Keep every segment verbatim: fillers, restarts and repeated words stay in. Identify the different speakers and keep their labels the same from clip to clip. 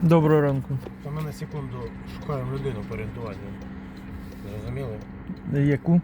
Speaker 1: Доброго ранку.
Speaker 2: Та ми на секунду шукаємо людину по орієнтуванню. Зрозуміли?
Speaker 1: Яку?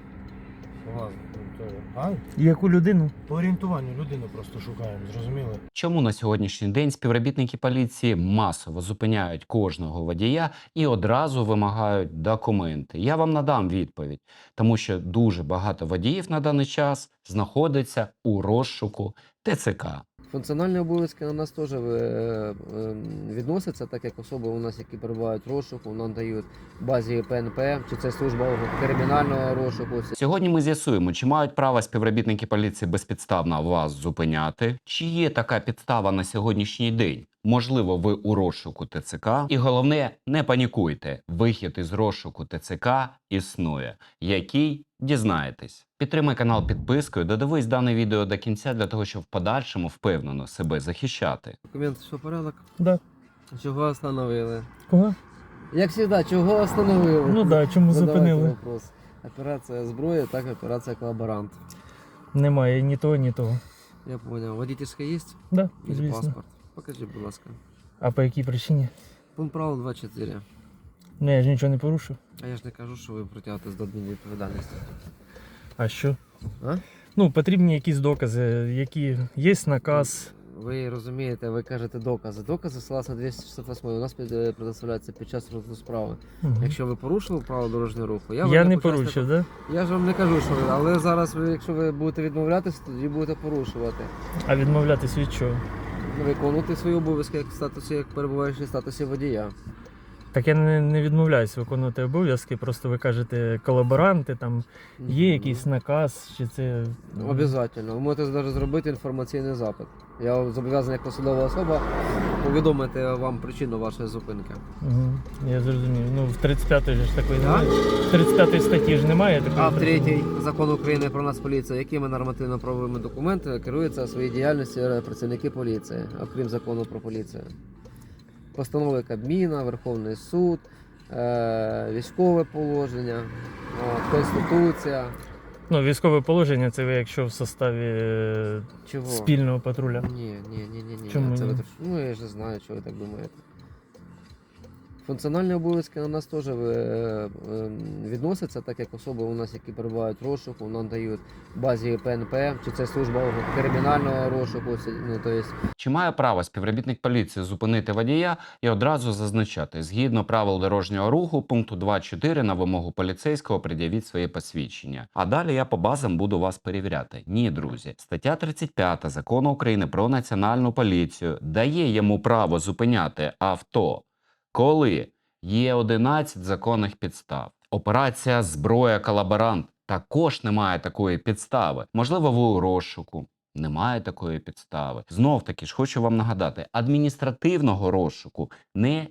Speaker 2: Ладно, то... А?
Speaker 1: Яку людину?
Speaker 2: По орієнтуванню людину просто шукаємо, зрозуміли?
Speaker 3: Чому на сьогоднішній день співробітники поліції масово зупиняють кожного водія і одразу вимагають документи? Я вам надам відповідь, тому що дуже багато водіїв на даний час знаходиться у розшуку Те Це Ка.
Speaker 4: Функціональні обов'язки на нас теж е, е, відносяться, так як особи у нас, які перебувають в розшуку, надають базі Пе Ен Пе, чи це служба кримінального розшуку.
Speaker 3: Сьогодні ми з'ясуємо, чи мають право співробітники поліції безпідставно вас зупиняти, чи є така підстава на сьогоднішній день. Можливо, ви у розшуку Те Це Ка. І головне, не панікуйте. Вихід із розшуку Те Це Ка існує, який дізнаєтесь. Підтримай канал підпискою, додивись дане відео до кінця для того, щоб в подальшому впевнено себе захищати.
Speaker 4: Документ, що порядок?
Speaker 1: Да.
Speaker 4: Чого остановили?
Speaker 1: Кого?
Speaker 4: Як завжди, чого остановили?
Speaker 1: Ну да, чому
Speaker 4: Задавайте
Speaker 1: зупинили?
Speaker 4: вопрос. Операція зброя, так операція колаборант.
Speaker 1: Немає ні того, ні того.
Speaker 4: Я понял. Водительська є?
Speaker 1: Да,
Speaker 4: Или
Speaker 1: звісно.
Speaker 4: паспорт? Покажи, будь ласка.
Speaker 1: А по якій причині?
Speaker 4: Пункт правил два чотири.
Speaker 1: Ну я ж нічого не порушив.
Speaker 4: А я ж не кажу, що ви притягнетесь до адмінвідповідальності.
Speaker 1: А що?
Speaker 4: А?
Speaker 1: Ну, потрібні якісь докази, які є наказ.
Speaker 4: Ви розумієте, ви кажете докази. Докази согласно двісті шістдесят восьмій у нас під- предоставляються під час розгляду справи.
Speaker 1: Угу.
Speaker 4: Якщо ви порушили правила дорожнього руху, я,
Speaker 1: Я,
Speaker 4: вам
Speaker 1: не
Speaker 4: як учасник-
Speaker 1: порушив, да?
Speaker 4: Я ж вам не кажу, що ви, але зараз, ви, якщо ви будете відмовлятися, тоді будете порушувати.
Speaker 1: А відмовлятись від чого?
Speaker 4: Виконувати свої обов'язки як в статусі, як перебуваючи в статусі водія.
Speaker 1: Так я не, не відмовляюсь виконувати обов'язки, просто ви кажете колаборанти, там є якийсь наказ, чи це.
Speaker 4: Обов'язково. Ви можете навіть зробити інформаційний запит. Я зобов'язаний як посадова особа повідомити вам причину вашої зупинки.
Speaker 1: Угу. Я зрозумів. Ну, в тридцять п'ятій ж такої
Speaker 4: Да?
Speaker 1: немає. В тридцять п'ятій статті ж немає такої.
Speaker 4: А в
Speaker 1: причини.
Speaker 4: третій закон України про Нацполіцію, якими нормативно-правовими документами керуються у своїй діяльності працівники поліції, окрім закону про поліцію? Постанови Кабміна, Верховний суд, е- військове положення, от, Конституція.
Speaker 1: Ну, військове положення це ви якщо в составі е,
Speaker 4: Чого?
Speaker 1: спільного патруля.
Speaker 4: Ні, ні, ні, ні, ні.
Speaker 1: Чому
Speaker 4: Це
Speaker 1: ні?
Speaker 4: ви трош- Ну, я ж не знаю, що ви так думаєте. Функціональні обов'язки на нас теж е, е, відносяться, так як особи у нас, які перебувають в розшуку, надають базі Пе Ен Пе, чи це служба кримінального розшуку, ну, то есть.
Speaker 3: Чи має право співробітник поліції зупинити водія і одразу зазначати, згідно правил дорожнього руху, пункту два чотири на вимогу поліцейського пред'явіть своє посвідчення. А далі я по базам буду вас перевіряти. Ні, друзі. Стаття тридцять п'ята Закону України про національну поліцію дає йому право зупиняти авто, коли є одинадцять законних підстав. Операція «Зброя колаборант» також немає такої підстави. Можливо, ви у розшуку. Немає такої підстави. Знов таки ж хочу вам нагадати, адміністративного розшуку не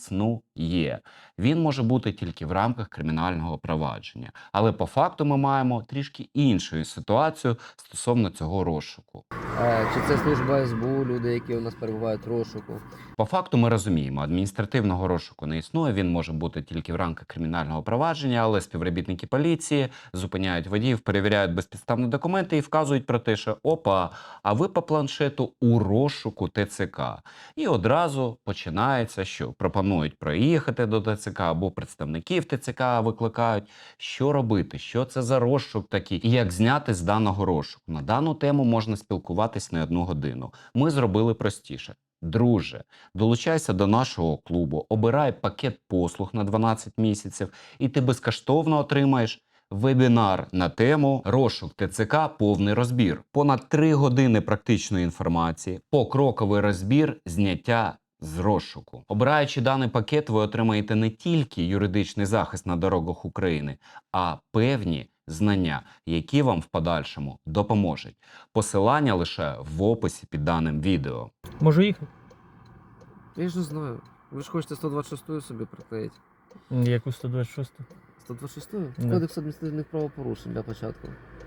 Speaker 3: існує. Він може бути тільки в рамках кримінального провадження. Але по факту ми маємо трішки іншу ситуацію стосовно цього розшуку.
Speaker 4: Е, Чи це служба Ес Бе У, люди, які у нас перебувають в розшуку.
Speaker 3: По факту ми розуміємо, адміністративного розшуку не існує, він може бути тільки в рамках кримінального провадження, але співробітники поліції зупиняють водіїв, перевіряють безпідставні документи і вказують про те, що опа, а ви по планшету у розшуку Те Це Ка. І одразу починається, що пропонують проїхати до Те Це Ка або представників Те Це Ка викликають. Що робити, що це за розшук такий і як зняти з даного розшуку. На дану тему можна спілкуватись не одну годину. Ми зробили простіше. Друже, долучайся до нашого клубу, обирай пакет послуг на дванадцять місяців і ти безкоштовно отримаєш вебінар на тему «Розшук Те Це Ка. Повний розбір». Понад три години практичної інформації, покроковий розбір зняття з розшуку. Обираючи даний пакет, ви отримаєте не тільки юридичний захист на дорогах України, а певні знання, які вам в подальшому допоможуть. Посилання лише в описі під даним відео.
Speaker 1: Можу їхати?
Speaker 4: Я ж не знаю. Ви ж хочете сто двадцять шосту собі приклеїти.
Speaker 1: Яку сто двадцять шосту?
Speaker 4: сто двадцять шосту?
Speaker 1: Да.
Speaker 4: Кодекс адміністративних правопорушень для початку.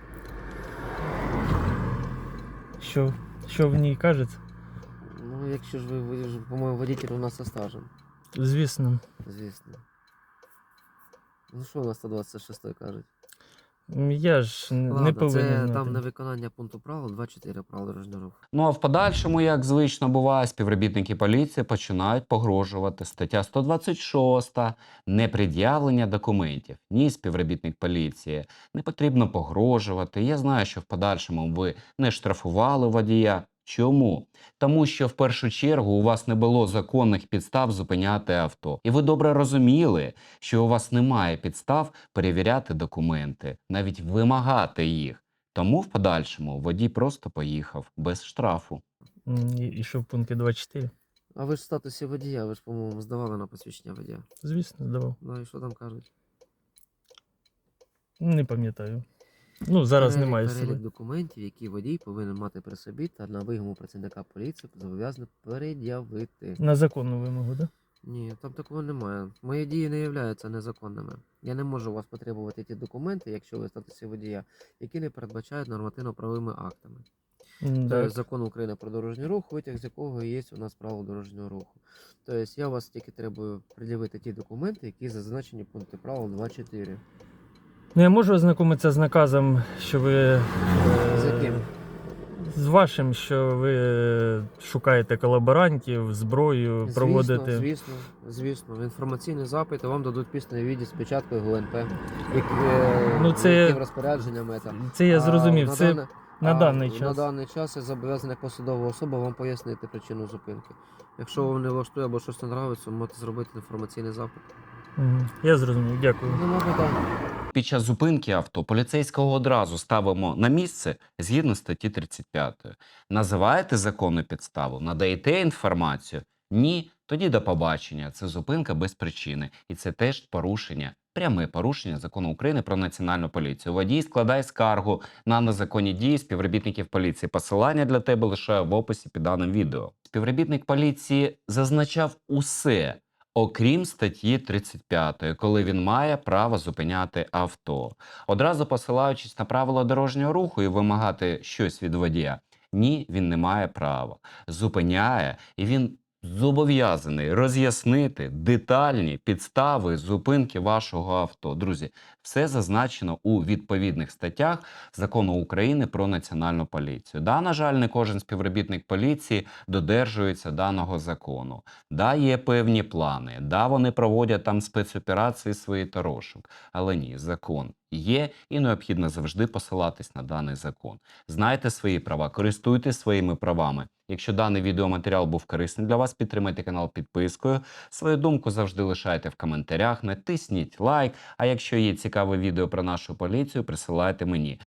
Speaker 1: Що? Що в ній кажеться?
Speaker 4: Ну, якщо ж ви, ви ж, по-моєму, водитель у нас со стажем,
Speaker 1: Звісно.
Speaker 4: звісно. Ну що у нас сто двадцять шосту кажуть?
Speaker 1: М, Я ж н- не
Speaker 4: Ладно,
Speaker 1: повинен
Speaker 4: це
Speaker 1: знати.
Speaker 4: там невиконання пункту правил двадцять чотири правил дорожнього руху.
Speaker 3: Ну а в подальшому, як звично буває, співробітники поліції починають погрожувати. Стаття сто двадцять шість – непред'явлення документів. Ні, співробітник поліції, не потрібно погрожувати. Я знаю, що в подальшому ви не штрафували водія. Чому? Тому що в першу чергу у вас не було законних підстав зупиняти авто. І ви добре розуміли, що у вас немає підстав перевіряти документи, навіть вимагати їх. Тому в подальшому водій просто поїхав без штрафу.
Speaker 1: М, І, і що в пункті двадцять чотири?
Speaker 4: А ви ж в статусі водія, ви ж, по-моєму, здавали на посвідчення водія.
Speaker 1: Звісно, здавав.
Speaker 4: Ну і що там кажуть?
Speaker 1: Не пам'ятаю. Ну, зараз
Speaker 4: Перелік-
Speaker 1: немає з
Speaker 4: перелік
Speaker 1: собою.
Speaker 4: документів, які водій повинен мати при собі та на вимогу працівника поліції зобов'язаний пред'явити.
Speaker 1: На законну вимогу, да?
Speaker 4: Ні, там такого немає. Мої дії не являються незаконними. Я не можу у вас потребувати ті документи, якщо ви в статусі водія, які не передбачають нормативно-правовими актами.
Speaker 1: М,
Speaker 4: Тобто
Speaker 1: Так.
Speaker 4: закон України про дорожній рух, витяг з якого є у нас право дорожнього руху. Тобто я вас тільки требую пред'явити ті документи, які зазначені в пункті правил двадцять чотири.
Speaker 1: Ну, я можу ознакомитися з наказом, що ви. е,
Speaker 4: З яким?
Speaker 1: З вашим, що ви е, шукаєте колаборантів, зброю, проводите.
Speaker 4: Звісно, звісно. Інформаційний запит, і вам дадуть письменний віді з печаткою ГУНП, які, е,
Speaker 1: Ну, це-
Speaker 4: яким розпорядженнями це.
Speaker 1: Це я
Speaker 4: А
Speaker 1: зрозумів.
Speaker 4: на
Speaker 1: Це
Speaker 4: дане-
Speaker 1: на
Speaker 4: а
Speaker 1: даний
Speaker 4: На
Speaker 1: час.
Speaker 4: даний час я зобов'язаний як посадова особа вам пояснити причину зупинки. Якщо вам не влаштує або щось не нравиться, можете зробити інформаційний запит.
Speaker 1: Мгм. Я зрозумів, дякую.
Speaker 4: Нема питань.
Speaker 3: Під час зупинки авто поліцейського одразу ставимо на місце згідно статті тридцять п'ять. Називаєте законну підставу, надаєте інформацію? Ні, тоді до побачення. Це зупинка без причини. І це теж порушення, пряме порушення закону України про національну поліцію. Водій складає скаргу на незаконні дії співробітників поліції. Посилання для тебе лишаю в описі під даним відео. Співробітник поліції зазначав усе, окрім статті тридцять п'ять, коли він має право зупиняти авто. Одразу посилаючись на правила дорожнього руху і вимагати щось від водія. Ні, він не має права. Зупиняє, і він зобов'язаний роз'яснити детальні підстави зупинки вашого авто. Друзі, все зазначено у відповідних статтях Закону України про національну поліцію. Да, на жаль, не кожен співробітник поліції додержується даного закону. Да, є певні плани, да, вони проводять там спецоперації свої та розшук. Але ні, закон є і необхідно завжди посилатись на даний закон. Знайте свої права, користуйтесь своїми правами. Якщо даний відеоматеріал був корисний для вас, підтримайте канал підпискою. Свою думку завжди лишайте в коментарях, натисніть лайк. А якщо є цікаве відео про нашу поліцію, присилайте мені.